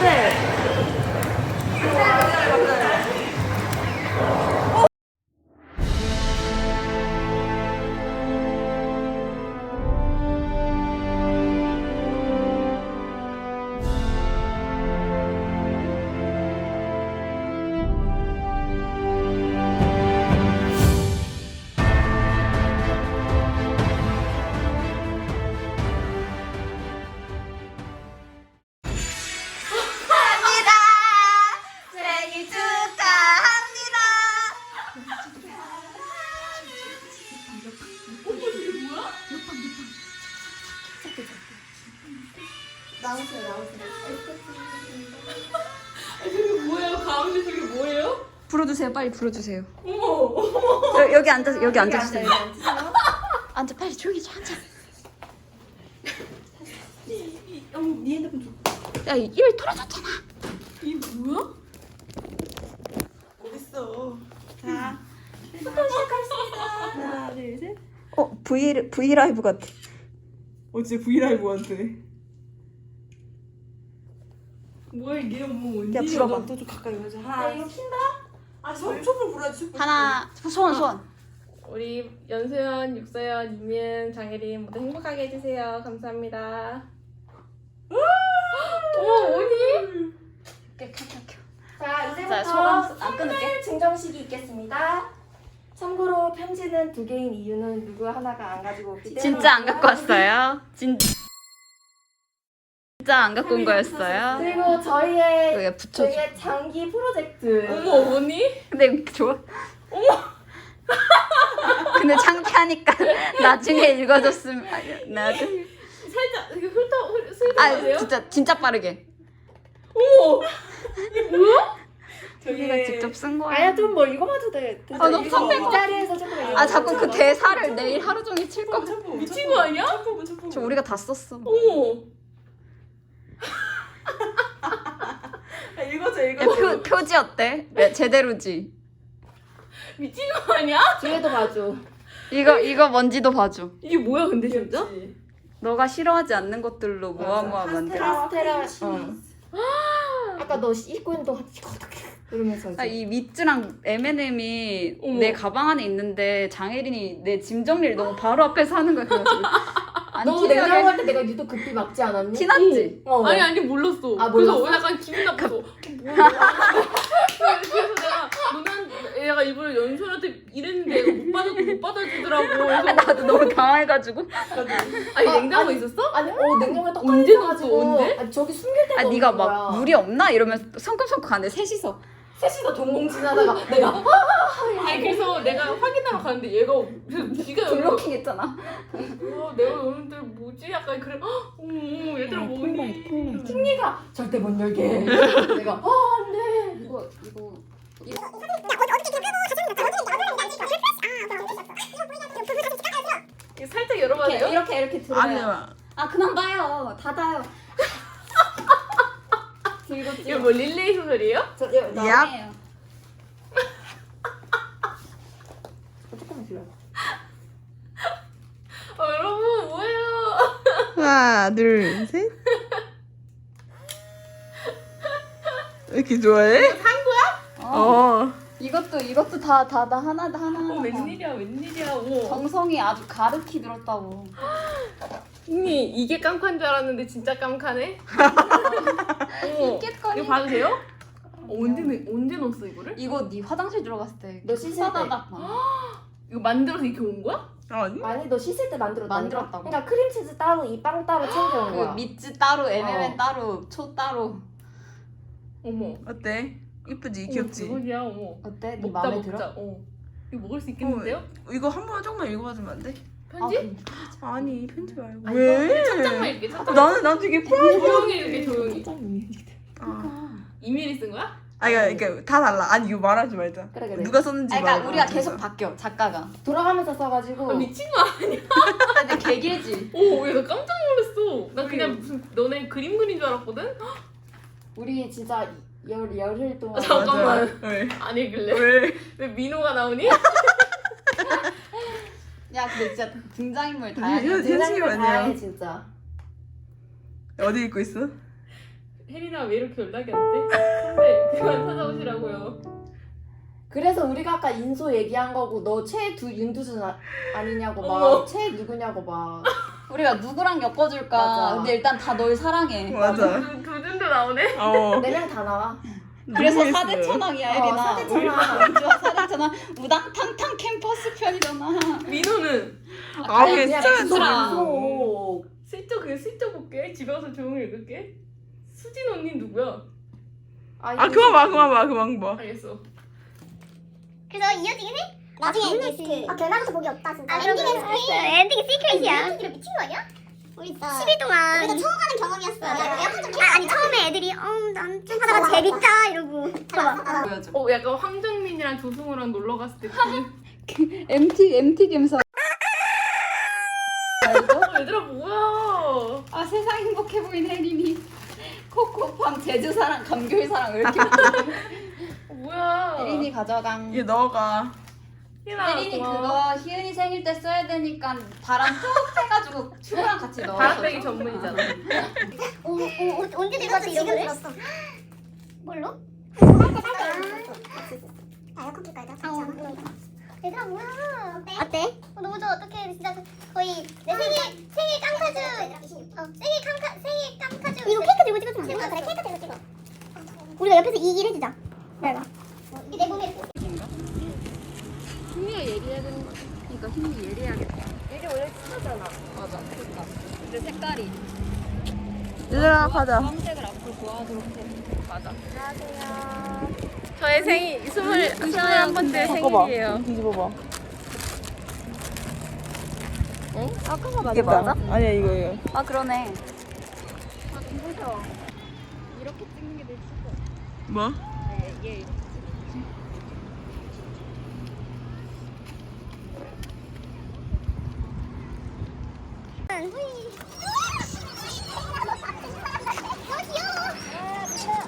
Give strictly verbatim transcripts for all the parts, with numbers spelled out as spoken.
네. 생일 축하합니다. 나오세요, 나오세요. 저게 뭐예요? 가운데 저게 뭐예요? 불어주세요, 빨리 불어주세요. 어머, 어머. 여, 여기 앉아, 여기 앉아주세요. 앉으세요. 앉아, 빨리 조용히 좀 앉아. 어머, 네 핸드폰 줘. 야, 입 털어졌잖아. 이 뭐야? 어딨어? 자, 하나, 둘, 셋. 어, V V 라이브 같아. 어, 진짜 브이라이브 같아. 뭐야 이게 어머 야, 언니? 불어봐. 또좀 가까이 오자. 하나. 아, 이거 킨다? 아, 저 촛불 불어야지. 촛불. 하나, 소원, 소원. 우리 연소연, 육서연, 유민, 장혜린 모두 행복하게 해주세요. 감사합니다. 어머 언니? 켜, 켜, 켜. 자, 자, 소감 이제부터 안 끊을게. 선물 증정식이 있겠습니다. 참고로 편지는 두 개인 이유는 누구 하나가 안 가지고 오기 때문에 진짜 안 갖고 왔어요. 진 진짜 안 갖고 온 거였어요. 그리고 저희의 여기 붙여줘. 저희의 장기 프로젝트 어머 언니? 근데 좋아. 어머. 근데 창피하니까 나중에 읽어줬으면 나중에. 살짝 이렇게 훑어 훑어 아 훑어보세요. 진짜 진짜 빠르게. 어머 이게 뭐야? 우리가 직접 쓴 거야. 아야 좀 뭐 읽어봐도 돼. 아, 너무 이거 선배가- 이 자리에서 조금 읽어. 아 자꾸 그 대사를 내일 하루 종일 칠 거. 미친 거 아니야? 촛불, 촛불. 저 우리가 다 썼어. 어머 아, 읽어줘, 야, 읽어줘. 표 표지 어때? 네, 제대로지. 미친 거 아니야? 뒤에도 봐줘. 이거 이거 뭔지도 봐줘. 이게 뭐야 근데 진짜? 귀엽지? 너가 싫어하지 않는 것들로 모아 모아 맞아. 만들. 카스테라. 파스텔. 어. 아까 너 입고 있는 동안 이러면서 이제. 아, 이 미츠랑 엠앤엠이 어머. 내 가방 안에 있는데 장혜린이 내 짐 정리를 너무 바로 앞에서 하는 거야. 그래가지고 안 너 냉장고 티나게 할때 내가 유독 급히 막지 않았니? 티났지? 어. 아니 아니 몰랐어. 아, 그래서 몰랐어? 약간 기분 나빠서 어, 뭐야? 그래서 내가 너는 얘가 일부러 연수한테 이랬는데 얘가 못 받아 못 받아주더라고. 그래서 나도 너무 당황해가지고. 아니 아, 냉장고 아니, 있었어? 아니 어 냉장고에 떡 언제 있어가지고. 넣었어, 언제? 아니 저기 숨길 데가 아 네가 없는 막 거야. 물이 없나 이러면서 성큼성큼 가는데 셋이서. 셋이서 동공지나다가 내가 아니 그래서 내가 확인하러 가는데 얘가 지가 여기 블로킹 했잖아. 어, 내가 너는데 뭐지? 약간 그래. 헉, 어머 얘들아 뭐니? 승리가 절대 못 열게. 내가 아 안돼. 이거 이거 이거 이거 살짝 열어봐도 이렇게 돼요? 이렇게 이렇게 들어요. 아니야. 아 그만 봐요. 닫아요. 들고 이거 찍어. 뭐 릴레이 소설이에요? 저 여, 나 나네요. 조금만 들려. 어, 여러분 뭐예요? 하나, 둘, 셋. 왜 이렇게 좋아해? 어. 어. 이것도 이것도 다 다 다 하나 하나 하나. 어 웬일이야 웬일이야. 어머. 정성이 아주 가득히 들었다고. 언니 이게 깜칸 줄 알았는데 진짜 깜카네. 어머. 있겠거니. 이거 봐도 돼요? 어, 언제 넣- 언제 넣었어 이거를? 이거 네 화장실 들어갔을 때. 너 씻을 때. 싸다닥 막. 이거 만들어서 이렇게 온 거야? 아니? 아니 너 씻을 때 만들었다. 만들었다고. 그러니까 크림치즈 따로 이 빵 따로 챙겨온 그 거야. 미츠 따로 엠엠엔 어. 따로 초 따로. 어머. 어때? 이쁘지? 어머, 귀엽지? 대박이야. 어머. 어때? 네 먹자 마음에 먹자. 들어? 어. 이거 먹을 수 있겠는데요? 이거 한 번 조금만 읽어봐주면 안 돼? 편지? 아, 아니, 편지 말고. 아니, 왜? 첫장만 이렇게 첫장. 나는 난 되게 프라이. 조용히 이렇게 조용히. 아, 이메일 쓴 거야? 아니, 그러니까 다 달라. 아니, 이거 말하지 말자. 그래 그래. 누가 썼는지 그러니까 말고. 우리가 계속 바뀌어 작가가. 돌아가면서 써가지고. 아, 미친 거 아니야? 근데 개길지. 오, 야, 나 깜짝 놀랐어. 나 그냥 무슨 너네 그림 그린 줄 알았거든? 우리 진짜 열 열흘 동안. 아, 잠깐만. 맞아. 왜? 안 읽을래? 왜? 왜 민호가 나오니? 야 근데 진짜 등장인물 이거 다양해. 현실이 등장인물 아니야. 다양해 진짜. 어디 읽고 있어? 혜린아 왜 이렇게 연락이 안 돼? 선배 그만 찾아오시라고요. 그래서 우리가 아까 인소 얘기한 거고 너 최두 윤두준 아, 아니냐고 어머. 막 최 누구냐고 막. 우리가 누구랑 엮어줄까? 맞아. 근데 일단 다 널 사랑해. 맞아. 두, 두 준도 나오네? 어. 네 명 다 나와. 그래서 모르겠어요. 사대 천왕이야, 어, 혜린아. 사대 천왕. 좋아, 사대 천왕. 우당탕탕 캠퍼스 편이잖아. 민호는 아, 그냥 괜찮아. 인소, 진짜. 인소. 슬쩍 그냥 슬쩍 볼게. 집에 가서 조용히 읽을게. 수진 언니 누구야? 아, 그만 봐, 그만 봐, 그만 봐. 알겠어. 그래서 이어지긴 해? 나중에 리스트. 아 결과부터 복이 없다 진짜. 아, 엔딩은 스크린. 엔딩이 시크릿이야. 이거 미친 거 아니야? 우리 십 일 동안 우리가 처음 하는 경험이었어. 약간 좀 아, 아니 처음에 애들이 어난좀 하다가 재밌다 이러고. 봐봐. 보여줘. 어 약간 황정민이랑 조승우랑 놀러 갔을 때 그... 엠티, 엠티 gem사. 어, 얘들아 뭐야? 아, 세상 행복해 보인 혜린이. 코코팜, 제주사랑, 감귤사랑 왜 이렇게 많아? 어, 뭐야? 혜린이 가져강. 얘 너가. 혜린아 혜린이 고마워. 그거 희은이 생일 때 써야 되니까 바람 툭 해가지고 튜브랑 같이 넣어. 바람 빼기 전문이잖아. 오, 오, 오, 언제 들고 왔어 이런 거를? 뭘로? 아, 컴퓨터 깔자. 어, 얘들아 뭐야? 어때? 어때? 어, 너무 좋아. 어떡해. 진짜 거의 내 생일 생일 깜카주. 어, 생일 깜카 생일 깜카주. 이거 케이크 들고 찍어주면 안 돼? 그래 케이크 들고 찍어. 우리가 옆에서 이 일 해주자. 내가. 내 몸에 이렇게. 희미가 예리해야 되는 거. 그러니까 희미 예리해야겠다. 이게 원래 친하잖아. 맞아. 그러니까. 근데 색깔이 얘들아, 가자. 주황색을 앞으로 좋아하도록 해. 맞아. 저의 생일 스물 스물한 번째 생일이에요. 뒤집어봐. 아까가 맞아. 이게 맞아? 아니야, 이거, 이거. 아 그러네. 아 무서워. 이렇게 찍는 게 내 친구. 뭐? 얘 얘. 너무 귀여워.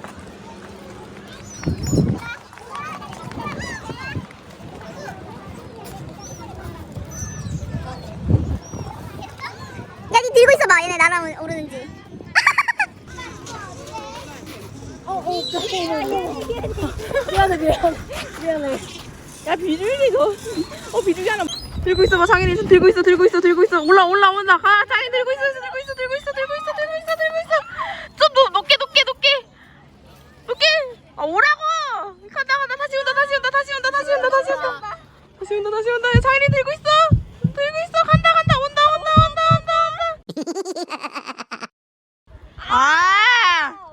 야, 니 들고 있어봐. 얘네 나랑 오르는지. 야, 비둘기 너. 어, 비둘기 하나. 들고 있어봐, 장인이 손 들고 있어, 들고 있어, 들고 있어. 올라, 올라, 온다. 가, 장인 들고 있어, 들고 있어, 들고 있어, 들고 있어, 들고 있어, 들고 있어. 좀 높, 높게, 높게, 높게. 높게. 아, 오라고. 간다, 간다. 다시 온다, 다시 온다, 다시 온다, 다시 온다, 다시 온다. 다시 온다, 다시 온다. 장인이 들고 있어. 들고 있어. 간다, 간다. 온다, 온다, 온다, 온다, 온다. 아.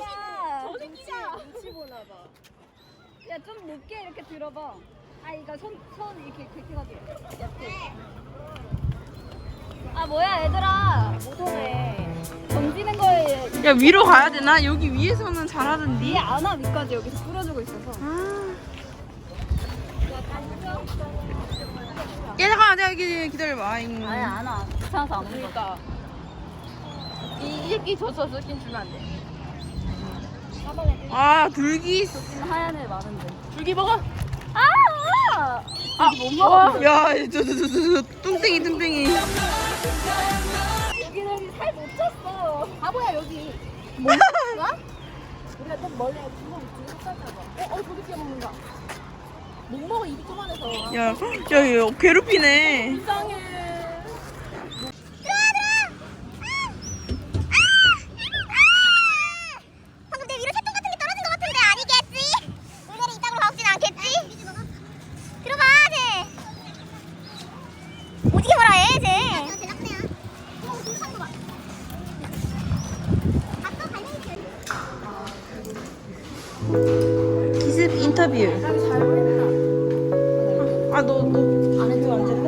야 좀 높게 이렇게 들어봐. 아 이거 손 손 이렇게 그렇게 가지고 옆에. 아 뭐야 얘들아. 못하네. 던지는 거에 야, 위로 가야 되나? 여기 위에서는 잘하던데. 위에 안와 위까지 여기서 뿌려주고 있어서. 야, 잠깐만, 내가 여기 기다려봐. 아잉. 아니 안 와. 귀찮아서 안 오니까. 이 새끼 줬어. 스킨 주면 안 돼. 아, 둘기. 여기는 하얀 애 많은데. 줄기 먹어. 아! 아! 못 먹어. 야, 저, 저, 저, 저, 저, 뚱땡이, 뚱땡이. 여기는 여기 살 못 쪘어. 바보야 여기. 우리가 좀 멀리 주먹 주먹 잡아. 어, 어, 저기 끼 먹는다. 못 먹어 입이 조만해서. 야, 야, 야, 괴롭히네. 이상해. 방금 내 위로 새똥 같은 게 떨어진 것 같은데 아니겠지? 물건이 이따구로 가오진 않겠지? 들어봐, 쟤. 오지게 뭐라 해, 쟤. 쟤 나쁘네요. 오, 진짜 거 봐. 아까 발명이 기습 인터뷰. 아, 너, 너, 안 해도 안 될래?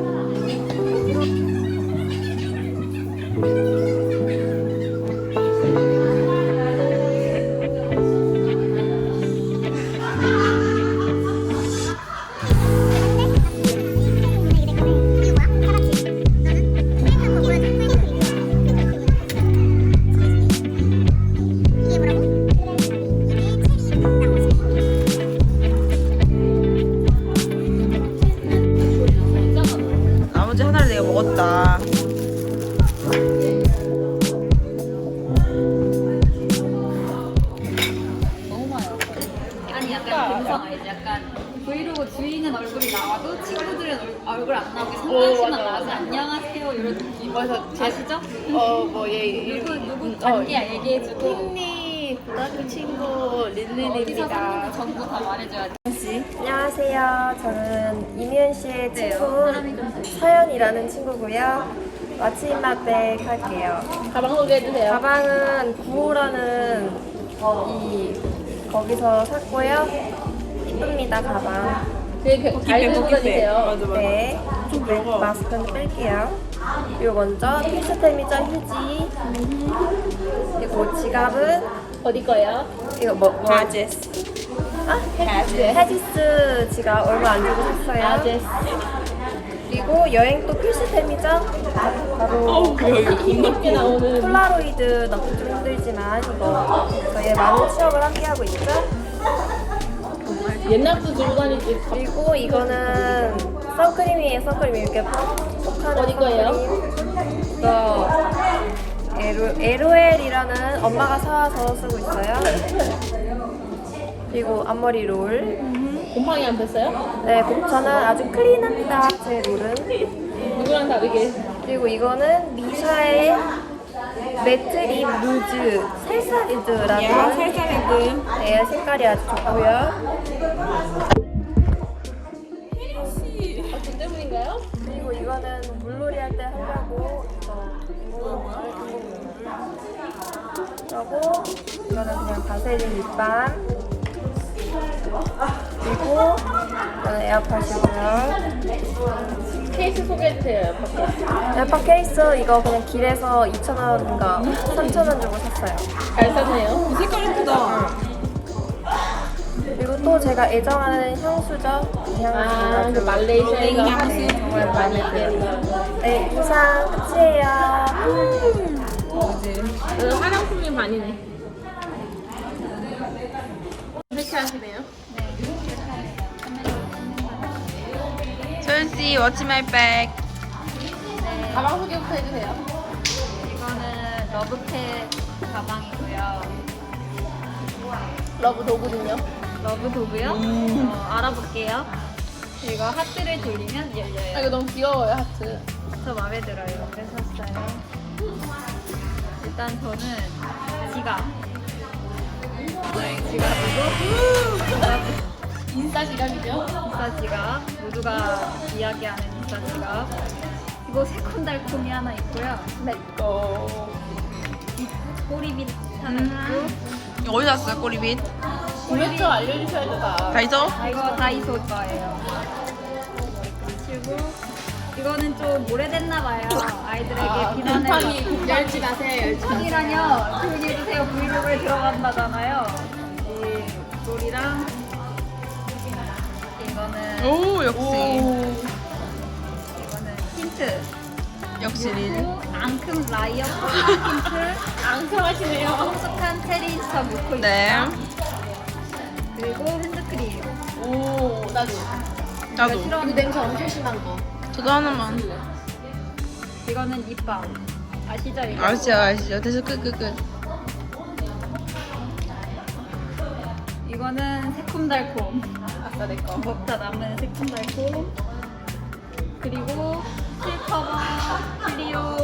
나머지 하나를 내가 먹었다. 이런 느낌. 그래서 제 아시죠? 어뭐얘 누구 누구 관계야 얘기해주고. 핑리 고등학교 친구 린린입니다. 전부 다 말해줘야 돼. 안녕하세요. 저는 이미은 씨의 친구 서연이라는 친구고요. 마치맛백 할게요. 가방 소개해주세요. 가방은 구호라는 이 거기서 샀고요. 이쁩니다 가방. 되게 잘 들고 다니세요. 네. 네, 마스크는 뺄게요. 그리고 먼저 필수템이죠 휴지. 그리고 지갑은 어디 거예요? 이거 뭐 뭐? 하지스. 아 헤지스. 헤지스 지갑 얼마 안 주고 샀어요. 아제스. 그리고 여행 또 필수템이죠. 바로 힘겹게 나오는. 폴라로이드 넣기 좀 힘들지만 이거 저희의 많은 추억을 함께 하고 있죠. 옛날부터 들고 다니지. 그리고 이거는 선크림이에요. 선크림 이렇게 톡하는 어디 거예요? 선크림. 이거 에로, 에로엘이라는 엄마가 사와서 쓰고 있어요. 그리고 앞머리 롤. 곰팡이 안 폈어요? 네, 저는 아주 클린합니다. 제 롤은. 누구랑 다르게? 그리고 이거는 미샤의 매트립 루즈 살사리드라는 살사리드. 네, 색깔이 아주 좋고요. 아, 저 때문인가요? 그리고 이거는 물놀이 할 때 하려고 이거 그리고 이거는 그냥 바세린 립밤. 그리고 이거는 에어팟이고요. 케이스 소개해주세요. 밖에. 에어팟 케이스 이거 그냥 길에서 이천 원인가 삼천 원 주고 샀어요. 잘 샀네요. 색깔 예쁘다. 그리고 또 제가 애정하는 향수죠. 이 향수 아, 아주 그 말레이시아 향수 네, 정말 많이 마음에 들어요. 들어요. 네, 이상 끝이에요. 저는 화장품이 반이네. 세차하시네요. 소연씨 워치 마이 백. 가방 소개부터 해주세요. 이거는 러브캣 가방이고요. 러브 도구는요? 러브 도구요? 어, 알아볼게요. 이거 하트를 돌리면 아, 열려요. 이거 너무 귀여워요, 하트. 저 마음에 들어요. 그래서 샀어요. 일단 저는 지갑. 네, 지갑이고 인싸 지갑이죠? 인싸 지갑. 모두가 이야기하는 인싸 지갑. 그리고 새콤달콤이 하나 있고요. 내꺼. 꼬리빗 하나 있고. 이거 어디서 샀어요 꼬리빗? 구매처 알려주셔야죠, 다. 다이소? 아, 이거 다이소 거예요. 그리고 이거는 좀 오래됐나봐요. 아이들에게 아, 비난을 곰팡이 받고. 열지 마세요, 열지 마세요. 콩이라뇨. 조용히 해주세요. 브이로그에 들어간다잖아요. 이 롤이랑 이거는 오 역시. 이거는 힌트. 역시 린. 그리고 앙큼 라이어 힌트. 앙큼하시네요. 성숙한 체리인처 뮤코 네. 그리고 핸드크림. 오, 나도. 나도. 이거 냄새 엄청 심한 거. 저도 하나만. 이거는 립밤. 아시죠? 이거? 아시죠 아시죠. 됐어 끝끝 끝. 이거는 새콤달콤. 아싸, 내꺼. 먹다 남은 새콤달콤. 그리고 실커버 클리오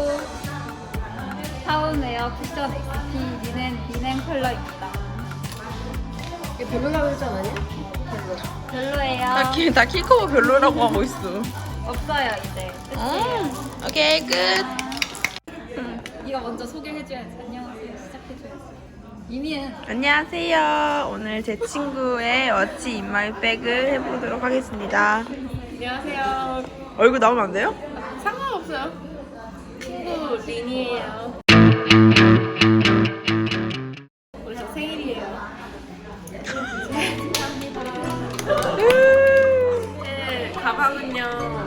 타운웨어 쿠션 엑스피 리넨 리넨 컬러입니다. 이게 별로라고 했지 않았냐? 별로예요. 다, 키, 다 키커버 별로라고 하고 있어. 없어요 이제. 끝이에요. 음, 오케이 끝. 네가 먼저 소개해줘야지. 안녕하세요. 시작해줘야지. 이미은. 안녕하세요. 오늘 제 친구의 워치 인마이 백을 해보도록 하겠습니다. 안녕하세요. 얼굴 나오면 안 돼요? 상관없어요. 친구 린이에요. 오늘 저 생일이에요. 네, 가방은요.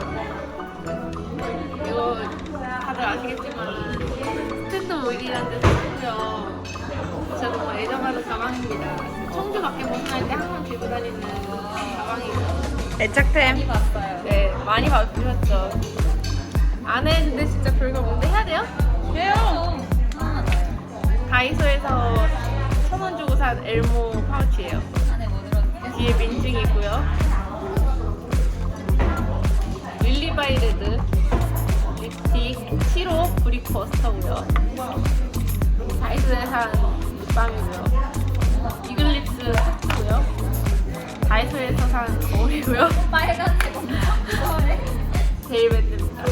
이거 다들 아시겠지만 스탠드 오일이라는 데서 샀고요. 저도 뭐 애정하는 가방입니다. 청주 밖에 못 나갈 때 항상 들고 다니는 가방이에요. 애착템. 봤어요. 네, 많이 봐주셨죠. 안 했는데 진짜 별거 없는데 해야 돼요? 해요. 하나 나요. 다이소에서 천 원 주고 산 엘모 파우치예요. 안에 뭐 들었는데? 뒤에 민증이고요. 릴리바이레드 립 클래식 칠호 브릭버스터고요. 다이소에 산 립밤이고요. 이글립스 하트고요. 다이소에서 산 거울이고요. 빨간색 엄청 좋아해. 데일밴드입니다.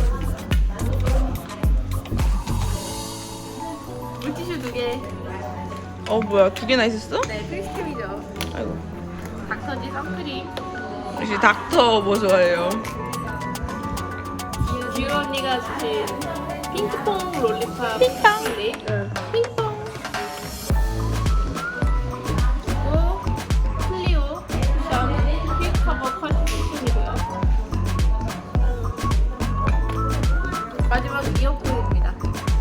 물티슈 두 개. 어 뭐야 두 개나 있었어? 네, 크리스템이죠. 아이고. 닥터지 선크림. 역시 닥터 뭐 좋아해요? 지우 언니가 주신 핑크퐁 롤리팝 핑퐁 립. 핑퐁. 그리고 클리오 쿠션 퀵 커버 컬렉션이고요. 마지막 이어폰입니다.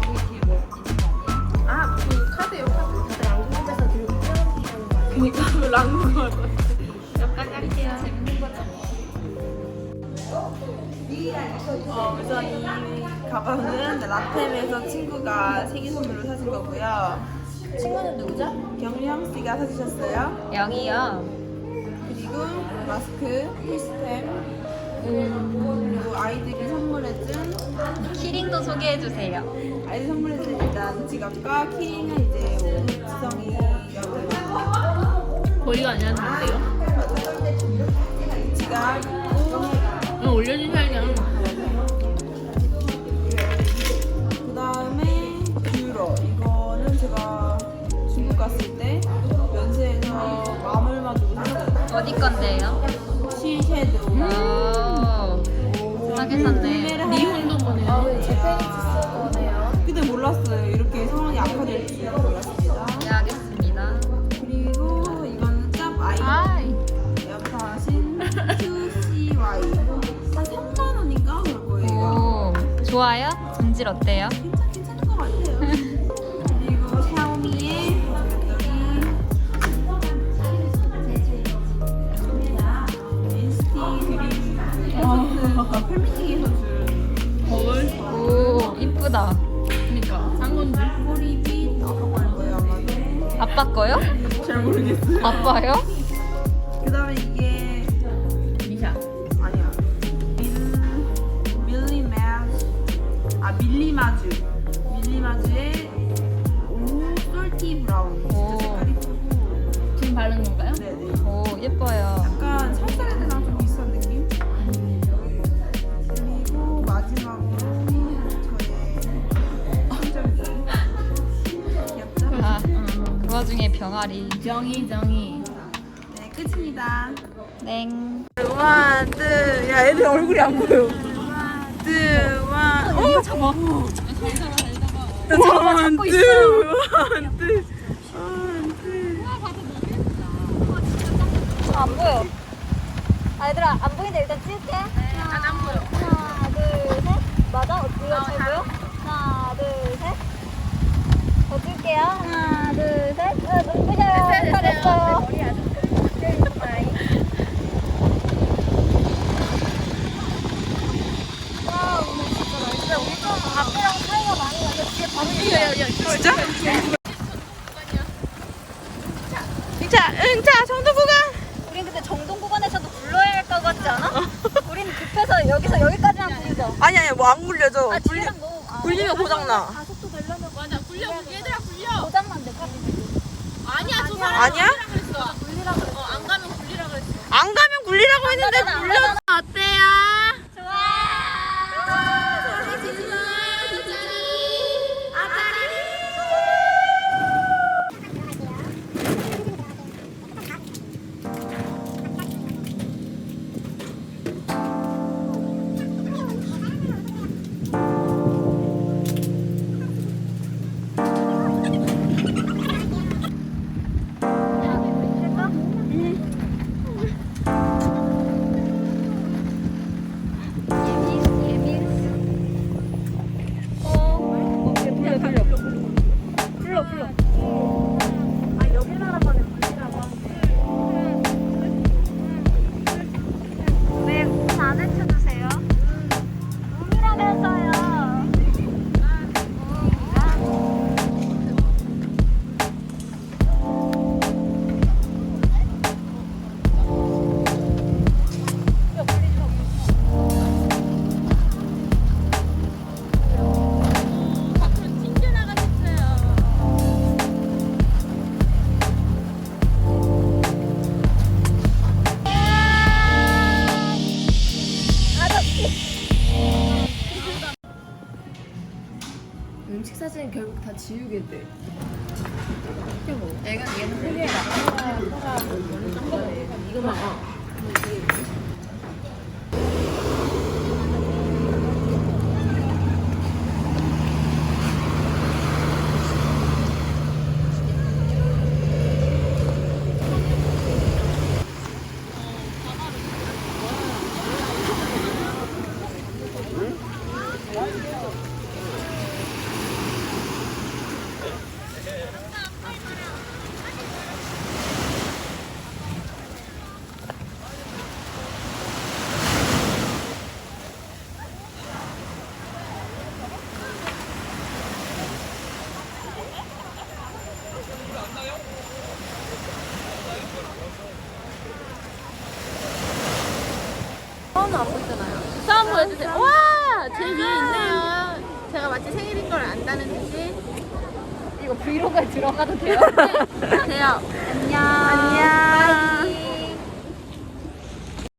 아, 그 카드요, 카드. 랑국에서 들고 그니까 그 랑국 할 것 같아. 여기까지 할게요. 재밌는 거죠. 어, 우선 이 가방은 라템에서 친구가 생일 선물로 사준 거고요. 친구는 누구죠? 경량 씨가 사주셨어요. 영이요. 그리고 마스크, 필스템, 그리고 아이들이 선물해준 키링도 소개해주세요. 아이들 선물해준 일단 지갑과 키링은 이제 지성이가 거리가 안 나는데요? 지갑 있고 그냥 올려주셔야죠. 그 다음에 뷰러 이거는 제가 중국 갔을 때 면세에서 마물만 주고 샀어요. 어디 건데요? 실 섀도우. 오, 싸게 샀네. 니혼도 보내요. 그때 몰랐어요. 이렇게 상황이 악화될 줄 몰랐습니다. 네, 알겠습니다. 그리고 이거는 짭 아이 아이. 에어팟인 큐씨와이 한 삼만 원인가 그럴 거예요. 오, 좋아요? 전질 어때요? 괜찮 괜찮은 것 같아요. 그리고 샤오미의 엔시티 드림 콘서트 팬미팅에서 준 거울? 오, 이쁘다. 그니까 산 건지. 꼬리빗 아까 걸 거예요 아마도. 아빠 거요? 잘 모르겠어요. 아빠요? 그 다음에 이게 미샤. 아니야. 밀 밀리마즈 아 밀리마즈 밀리마즈의 오 솔티 브라운 오. 진짜 색깔 이쁘고 지금 바른 건가요? 네네 오, 예뻐요. 약간 살살레드랑 좀 비슷한 느낌. 그리고 마지막으로 저의 심정기 귀엽죠? 아, 그 와중에 병아리. 정이 정이. 네 끝입니다. 땡. 원, 투, 야 애들 얼굴이 안 보여. 투, 원, 어 잡아. 원, 투, 원, 투, 원, 투. 안 보여. 아, 얘들아, 안 보이는데 일단 찍을게. 안, 안 보여. 하나, 둘, 셋. 맞아? 이거 잘 보여? 하나, 둘, 셋. 더 찍을게요. 하나, 둘, 셋. 어, 눈부셔요. 잘했어요. 머리 아주 와, 오늘 진짜 날씨가 우리 좀 앞이랑 차이가 많이 나서 뒤에 바로 있어요. 진짜? 자, 응, 자, 정도 구간. 우린 근데 정동 구간에서도 불러야 할 것 같지 않아? 우린 급해서 여기서 여기까지만 부르죠. 아니 아니 뭐 안 굴려져. 아, 굴리, 뒤에랑 너무 아, 굴리면 고장 나. 가속도 되려면 맞아, 굴려. 얘들아, 굴려. 고장만 돼. 가지고. 아니야, 저 사람 아니야? 그랬어. 굴리라 그랬어. 어, 안 가면 굴리라 그랬어. 안 가면 굴리라고 했는데 가잖아, 안 굴려. 가잖아. 어때요? 음식 사진 결국 다 지우게 돼. 내가 얘는 크게 나가라 커라 뭐는 딴 거네. 이거만 어. 처음 보여주세요. 와! 제 위에 있네요. 제가 마치 생일인 걸 안다는 듯이. 이거 브이로그에 들어가도 돼요? 돼요. 안녕. 안녕.